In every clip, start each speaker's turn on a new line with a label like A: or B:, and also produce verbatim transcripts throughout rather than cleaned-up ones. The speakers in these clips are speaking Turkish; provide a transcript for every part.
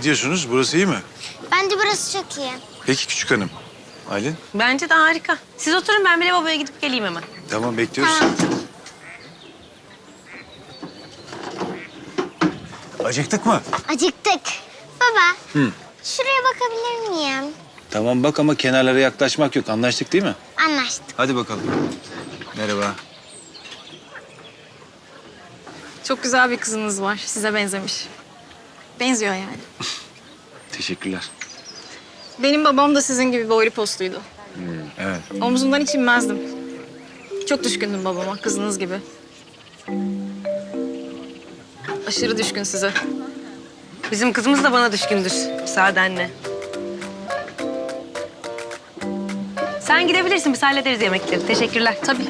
A: Ne diyorsunuz? Burası iyi mi?
B: Bence burası çok iyi.
A: Peki küçük hanım. Aylin?
C: Bence de harika. Siz oturun, ben bir lavaboya gidip geleyim hemen.
A: Tamam, bekliyoruz.
B: Tamam.
A: Acıktık mı?
B: Acıktık. Baba,
A: Hı.
B: şuraya bakabilir miyim?
A: Tamam bak ama kenarlara yaklaşmak yok. Anlaştık değil mi?
B: Anlaştık.
A: Hadi bakalım. Merhaba.
D: Çok güzel bir kızınız var. Size benzemiş. Benziyor yani.
A: Teşekkürler.
D: Benim babam da sizin gibi boylu postuydu.
A: Evet.
D: Omzundan hiç inmezdim. Çok düşkündüm babama, kızınız gibi. Aşırı düşkün size.
C: Bizim kızımız da bana düşkündür, müsaadenle. Sen gidebilirsin, biz hallederiz yemekleri. Teşekkürler.
D: Tabii.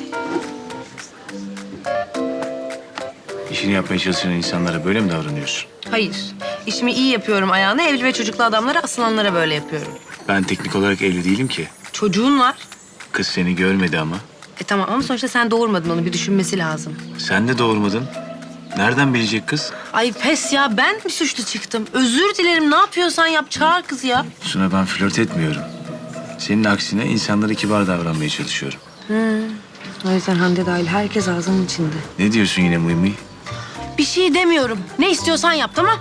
A: İşini yapmaya çalışan insanlara böyle mi davranıyorsun?
C: Hayır, işimi iyi yapıyorum ayağına. Evli ve çocuklu adamlara, asılanlara böyle yapıyorum.
A: Ben teknik olarak evli değilim ki.
C: Çocuğun var.
A: Kız seni görmedi ama.
C: E tamam ama sonuçta sen doğurmadın, onu bir düşünmesi lazım.
A: Sen de doğurmadın. Nereden bilecek kız?
C: Ay pes ya, ben mi suçlu çıktım? Özür dilerim, ne yapıyorsan yap, çağır kız ya.
A: Suna, ben flört etmiyorum. Senin aksine insanlara kibar davranmaya çalışıyorum.
C: O yüzden Hande dahil herkes ağzının içinde.
A: Ne diyorsun yine mıy mıy?
C: Bir şey demiyorum. Ne istiyorsan yap, tamam?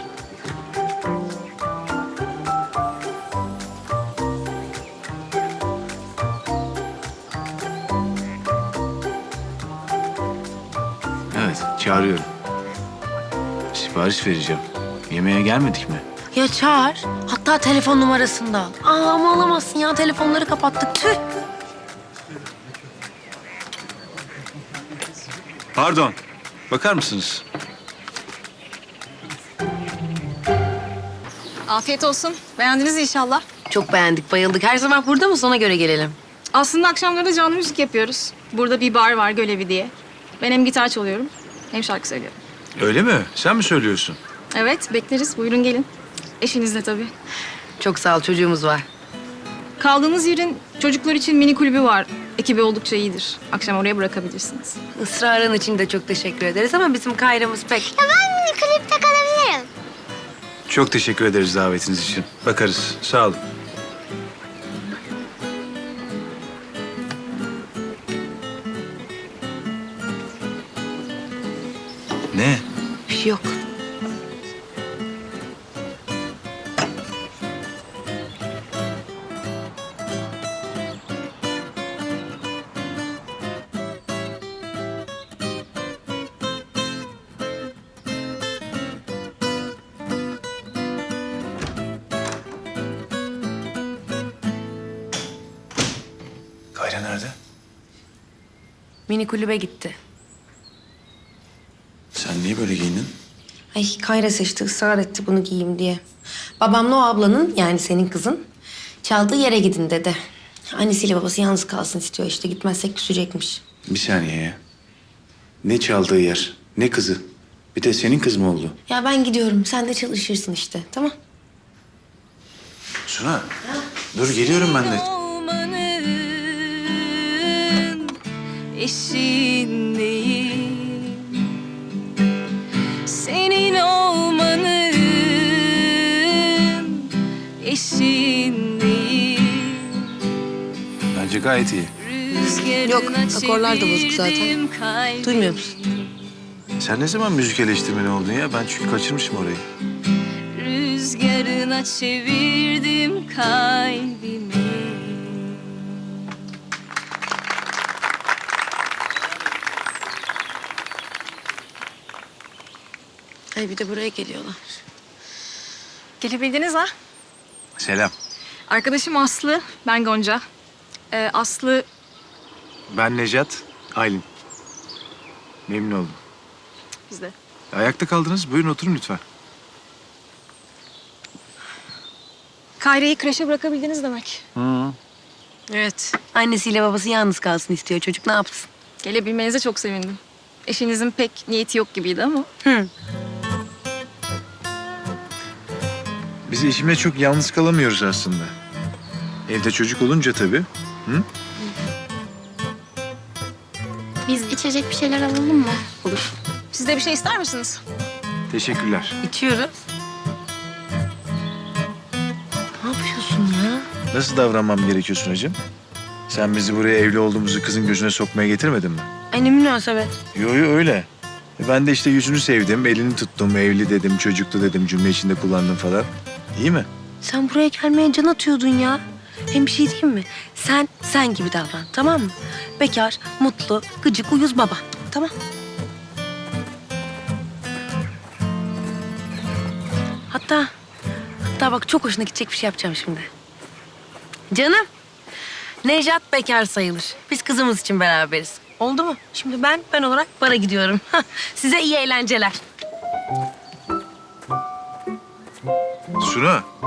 A: Evet, çağırıyorum. Sipariş vereceğim. Yemeğe gelmedik mi?
C: Ya çağır. Hatta telefon numarasını da al. Aa, ama alamazsın ya. Telefonları kapattık. Tüh.
A: Pardon. Bakar mısınız?
D: Afiyet olsun. Beğendiniz inşallah.
C: Çok beğendik, bayıldık. Her zaman burada mı? Ona göre gelelim.
D: Aslında akşamları da canlı müzik yapıyoruz. Burada bir bar var, Gölevi diye. Ben hem gitar çalıyorum, hem şarkı söylüyorum.
A: Öyle mi? Sen mi söylüyorsun?
D: Evet, bekleriz. Buyurun gelin. Eşinizle tabii.
C: Çok sağ ol, çocuğumuz var.
D: Kaldığınız yerin çocuklar için mini kulübü var. Ekibi oldukça iyidir. Akşam oraya bırakabilirsiniz.
C: Israrın için de çok teşekkür ederiz ama bizim Kayra'mız pek...
B: Ya ben mini kulüpte kalabilirim.
A: Çok teşekkür ederiz davetiniz için. Bakarız. Sağ olun. Ne?
C: Bir şey yok.
A: Kayra nerede?
C: Mini kulübe gitti.
A: Sen niye böyle giyindin?
C: Ay Kayra seçti, ısrar etti bunu giyeyim diye. Babamla o ablanın, yani senin kızın, çaldığı yere gidin dedi. Annesiyle babası yalnız kalsın istiyor işte, gitmezsek küsecekmiş.
A: Bir saniye ya. Ne çaldığı yer, ne kızı. Bir de senin kız mı oldu?
C: Ya ben gidiyorum, sen de çalışırsın işte, tamam?
A: Suna, dur geliyorum ben de.
E: Olmanın eşindeyim. Senin olmanın eşindeyim.
A: Bence gayet iyi.
C: Yok, akorlar da bozuk zaten. Duymuyor musun?
A: Sen ne zaman müzik eleştirmeni oldun ya? Ben çünkü kaçırmışım orayı.
E: Rüzgarına çevirdim kalbimi.
C: Ay bir de buraya geliyorlar.
D: Gelebildiniz ha?
A: Selam.
D: Arkadaşım Aslı, ben Gonca. Ee, Aslı
A: Ben Necat, Aylin. Memnun oldum.
D: bizde.
A: Ayakta kaldınız. Buyurun oturun lütfen.
D: Kayra'yı kreşe bırakabildiniz demek.
A: Hı.
C: Evet. Annesiyle babası yalnız kalsın istiyor. Çocuk ne yapsın?
D: Gelebilmenize çok sevindim. Eşinizin pek niyeti yok gibiydi ama.
C: Hı.
A: Biz eşimle çok yalnız kalamıyoruz aslında. Evde çocuk olunca tabii. Hı?
B: Biz içecek bir şeyler alalım mı?
D: Olur. Siz de bir şey ister misiniz?
A: Teşekkürler.
C: İçiyoruz.
A: Nasıl davranmam gerekiyor Sunacığım? Sen bizi buraya evli olduğumuzu kızın gözüne sokmaya getirmedin mi?
C: Ay ne münasebet.
A: Yo yo öyle. E ben de işte yüzünü sevdim, elini tuttum, evli dedim, çocuklu dedim, cümle içinde kullandım falan. İyi mi?
C: Sen buraya gelmeye can atıyordun ya. Hem bir şey diyeyim mi? Sen sen gibi davran, tamam mı? Bekar, mutlu, gıcık, uyuz baba. Tamam. Hatta, hatta bak çok hoşuna gidecek bir şey yapacağım şimdi. Canım, Nejat bekar sayılır. Biz kızımız için beraberiz. Oldu mu? Şimdi ben, ben olarak bara gidiyorum. Size iyi eğlenceler.
A: Suna,